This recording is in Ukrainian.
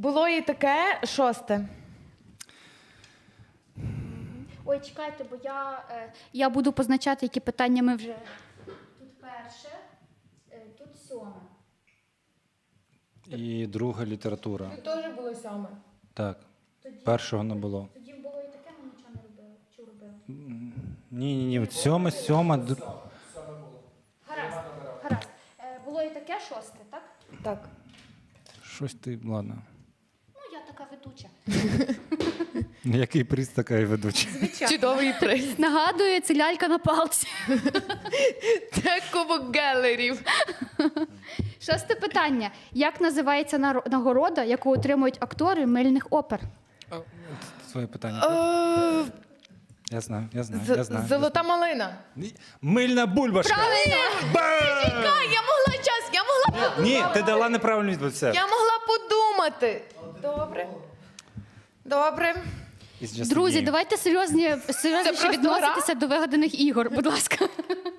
Було і таке 6. Ой, чекайте, бо я буду позначати, які питання ми вже... Тут перше, тут 7. І друга література. Тут теж було 7. Так. Першого не було. Тоді було і таке, ми нічого не робили. Чи робили? Ні. От сьома. Гаразд. Було і таке 6, так? Так. Щось ти, ладно. Ну, я така ведуча. Який приз, така і ведуча. Чудовий приз. Нагадую, це лялька на палці. Це Кубок Гелерів. 6 питання. Як називається нагорода, яку отримують актори мильних опер? Своє питання. Я знаю. Золота малина. Мильна бульбашка. Я могла Ні, ти дала неправильну відповідь. Все. Я могла подумати. Добре. It's just a Друзі, game. давайте серйозніше просто відноситися до вигаданих ігор, будь ласка.